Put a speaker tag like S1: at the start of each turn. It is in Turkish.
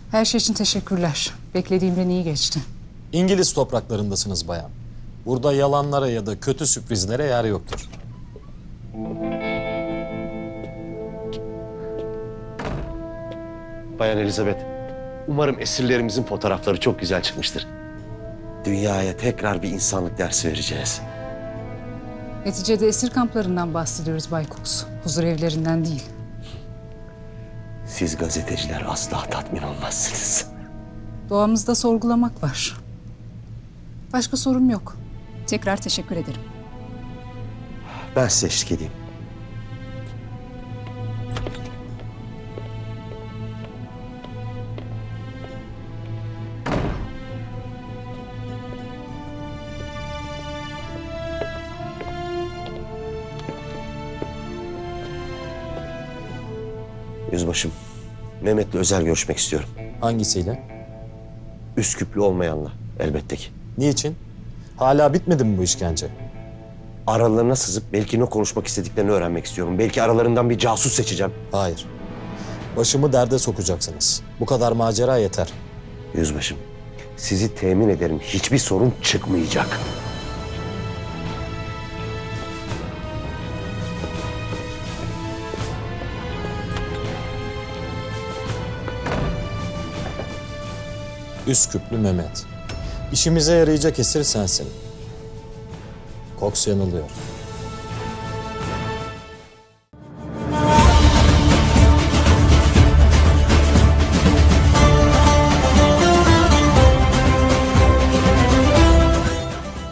S1: Her şey için teşekkürler. Beklediğimden iyi geçti.
S2: İngiliz topraklarındasınız bayan. Burada yalanlara ya da kötü sürprizlere yer yoktur.
S3: Bayan Elizabeth, umarım esirlerimizin fotoğrafları çok güzel çıkmıştır. Dünyaya tekrar bir insanlık dersi vereceğiz.
S1: Neticede esir kamplarından bahsediyoruz Bay Cox. Huzur evlerinden değil.
S3: Siz gazeteciler asla tatmin olmazsınız.
S1: Doğamızda sorgulamak var. Başka sorum yok. Tekrar teşekkür ederim.
S3: Ben size eşlik edeyim. Yüzbaşım, Mehmet'le özel görüşmek istiyorum.
S2: Hangisiyle?
S3: Üsküplü olmayanla elbette ki.
S2: Niçin? Hala bitmedi mi bu işkence?
S3: Aralarına sızıp belki ne konuşmak istediklerini öğrenmek istiyorum. Belki aralarından bir casus seçeceğim.
S2: Hayır. Başımı derde sokacaksınız. Bu kadar macera yeter.
S3: Yüzbaşım, sizi temin ederim. Hiçbir sorun çıkmayacak.
S2: Üsküplü Mehmet. İşimize yarayacak esir sensin. Cox yanılıyor.